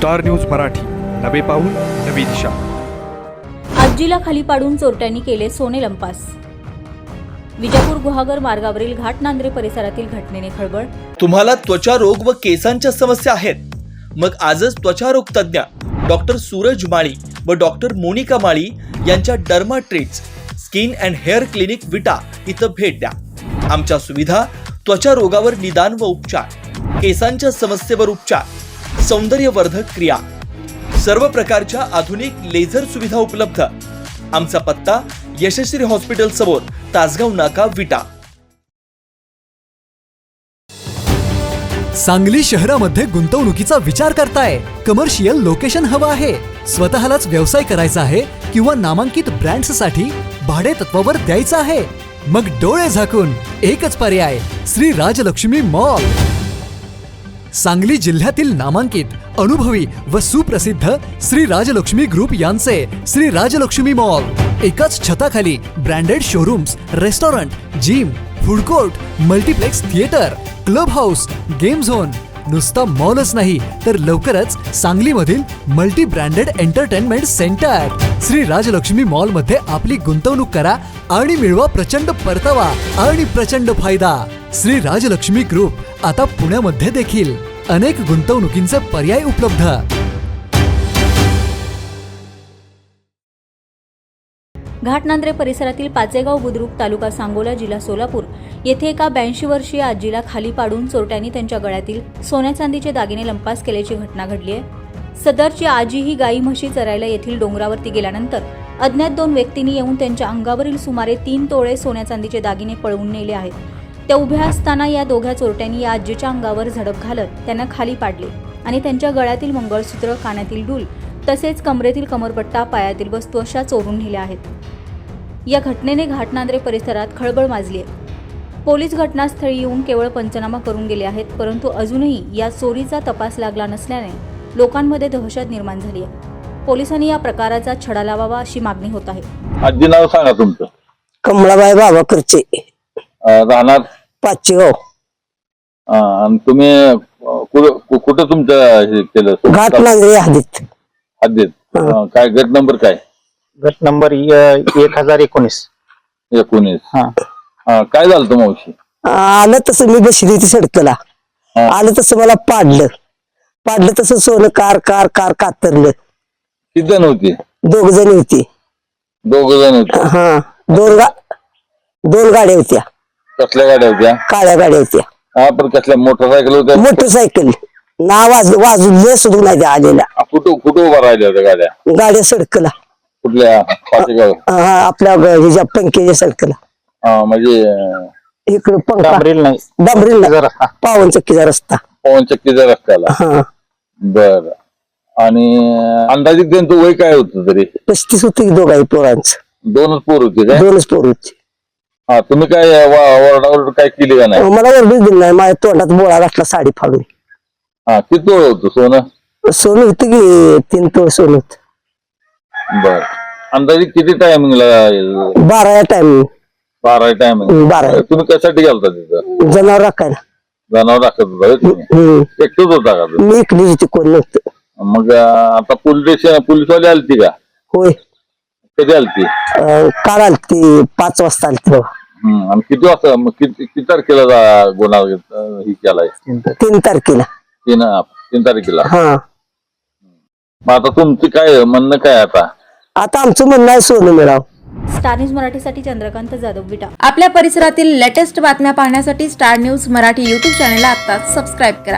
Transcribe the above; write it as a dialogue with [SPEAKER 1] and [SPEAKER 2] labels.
[SPEAKER 1] Star news Marathi, नवे पाऊल नवी दिशा.
[SPEAKER 2] आजीला खाली पाडून चोरट्यांनी केले सोने लंपास. विजापूर गुहागर मार्गावरील घाटनांद्रे परिसरातील घटनेने खळबळ.
[SPEAKER 3] तुम्हाला त्वचा रोग व केसांच्या समस्या आहेत? मग आजच त्वचारोग तज्ञ डॉक्टर सूरज माळी व डॉक्टर मोनिका माळी यांच्या derma treats skin and hair clinic Vita इथं भेट द्या. आमच्या सुविधा त्वचा रोगावर निदान व उपचार, केसांच्या समस्येवर उपचार, सौंदर्यवर्धक क्रिया, सर्व प्रकारच्या आधुनिक लेझर सुविधा उपलब्ध. आमचा पत्ता यशस्वी हॉस्पिटल समोर, तासगाव नाका, विटा.
[SPEAKER 4] सांगली शहरामध्ये गुंतवणुकीचा विचार करताय? कमर्शियल लोकेशन हवं आहे? स्वतःलाच व्यवसाय करायचा आहे किंवा नामांकित ब्रँड्ससाठी भाडे तत्वावर द्यायचं आहे? मग डोळे झाकून एकच पर्याय, श्री राजलक्ष्मी मॉल. सांगली जिल्ह्यातील नामांकित, अनुभवी व सुप्रसिद्ध श्री राजलक्ष्मी ग्रुप यांचे श्री राजलक्ष्मी मॉल. एकाच छताखाली branded showrooms, restaurant, gym, food court, multiplex theatre, club house, game zone. नुसता मॉलच नाही तर लवकरच सांगलीमधील multi branded entertainment centre. Shri Rajlakshmi mall मध्ये आपली गुंतवणूक करा आणि मिळवा प्रचंड परतावा आणि प्रचंड फायदा. श्री राजलक्ष्मी ग्रुप आता पुण्यामध्ये देखील. अनेक गुंतवणुकींचे पर्याय उपलब्ध.
[SPEAKER 2] घाटनांद्रे परिसरातील पाचेगाव बुद्रुक, तालुका सांगोला, जिल्हा सोलापूर येथे एका 82 वर्षीय आजीला खाली पाडून चोरट्यांनी त्यांच्या गळ्यातील सोन्या चांदीचे दागिने लंपास केल्याची घटना घडली आहे. सदरची आजी ही गाई म्हशी चरायला येथील डोंगरावरती गेल्यानंतर अज्ञात 2 व्यक्तींनी येऊन त्यांच्या अंगावरील सुमारे 3 तोळे सोन्या चांदीचे दागिने पळवून नेले आहेत. त्या उभ्या असताना या दोघ्या चोरट्यांनी या आजीच्या अंगावर झडप घालत त्यांना खाली पाडले आणि त्यांच्या गळ्यातील मंगळसूत्र, कानातील डूल तसेच कमरेतील कमरपट्टा, पायातील वस्तू अशा चोरून नेल्या आहेत. या घटनेने घाटनांद्रे परिसरात खळबळ माजली आहे. पोलीस घटनास्थळी येऊन केवळ पंचनामा करून गेले आहेत, परंतु अजूनही या चोरीचा तपास लागला नसल्याने लोकांमध्ये दहशत निर्माण झाली आहे. पोलिसांनी या प्रकाराचा छडा लावावा अशी मागणी होत आहे.
[SPEAKER 5] आजी नाव सांगा तुमचं.
[SPEAKER 6] कमळाबाई बाबा करचे,
[SPEAKER 5] राहणार
[SPEAKER 6] पाचेगाव.
[SPEAKER 5] आणि तुम्ही कुठं तुमचं हे केलं?
[SPEAKER 6] घाटनांद्रे हद्दीत.
[SPEAKER 5] हद्दीत. काय गट नंबर काय?
[SPEAKER 7] गट नंबर 1019.
[SPEAKER 5] काय झालं होतं मावशी?
[SPEAKER 6] आलं तसं मी बसली होती सडकला. आलं तसं मला पाडलं तसं सोनं कार कार कार कातरलं.
[SPEAKER 5] किती जण होती?
[SPEAKER 6] 2 जण होती.
[SPEAKER 5] 2 जण होते.
[SPEAKER 6] हा, 2 गाड्या होत्या.
[SPEAKER 5] कसल्या गाड्या होत्या?
[SPEAKER 6] काळ्या गाड्या होत्या.
[SPEAKER 5] हा, पण कसल्या मोटरसायकल होत्या?
[SPEAKER 6] मोटरसायकल ना वाजून सुद्धा नाही त्या आलेल्या.
[SPEAKER 5] कुठं उभा राहिल्या होत्या गाड्या?
[SPEAKER 6] गाड्या सडकला.
[SPEAKER 5] कुठल्या? पाचेगाव.
[SPEAKER 6] आपल्या ह्याच्या पंख्याच्या सडकला.
[SPEAKER 5] म्हणजे
[SPEAKER 6] इकडे पंखा
[SPEAKER 7] डांबरील नाही,
[SPEAKER 6] पावन चक्कीचा रस्ता.
[SPEAKER 5] पवन चक्कीच्या रस्त्याला.
[SPEAKER 6] हा,
[SPEAKER 5] बर. आणि अंदाजित त्यांचं वय काय होतं तरी?
[SPEAKER 6] 35 होती दोघाही पोरांचं.
[SPEAKER 5] 2च पोर होते काय?
[SPEAKER 6] 2च पोर होती.
[SPEAKER 5] हा, तुम्ही काय ओरडाओरड काय केली का नाही?
[SPEAKER 6] मला ओरडूच दिली नाही. माझ्या तोंडात बोळा घातला साडी फाडून.
[SPEAKER 5] हा, किती तोळ होतं सोनं?
[SPEAKER 6] सोनं होतं की 3 तोळ सोनं होतं.
[SPEAKER 5] बर. अंदाजे किती टायमिंगला?
[SPEAKER 6] 12 टाइम.
[SPEAKER 5] 12 टायमिंग.
[SPEAKER 6] 12.
[SPEAKER 5] तुम्ही कशासाठी गेलता तिथं?
[SPEAKER 6] जनावर राखायला.
[SPEAKER 5] जनावर राखत होता होय तुम्ही? एकटंच होता का तुम्ही?
[SPEAKER 6] मी इकलीच होती, कोण नव्हतं.
[SPEAKER 5] मग आता पोलीसवाले आलती का?
[SPEAKER 6] होय.
[SPEAKER 5] कधी आलती?
[SPEAKER 6] काल आलती, 5 वाजता आलती बाबा.
[SPEAKER 5] आणि किती वाजता? मग किती तारखेला गुन्हा ही केलाय?
[SPEAKER 6] 3 तारखेला.
[SPEAKER 5] 3 तारखेला.
[SPEAKER 6] हा.
[SPEAKER 5] मग आता तुमचं काय म्हणणं काय? आता
[SPEAKER 6] आमचं म्हणणं आहे सोनं मिळावं.
[SPEAKER 2] स्टार न्यूज मराठीसाठी चंद्रकांत जाधव, विटा.
[SPEAKER 8] आपल्या परिसरातील लेटेस्ट बातम्या पाहण्यासाठी स्टार न्यूज मराठी यूट्यूब चॅनलला आत्ताच सबस्क्राईब करा.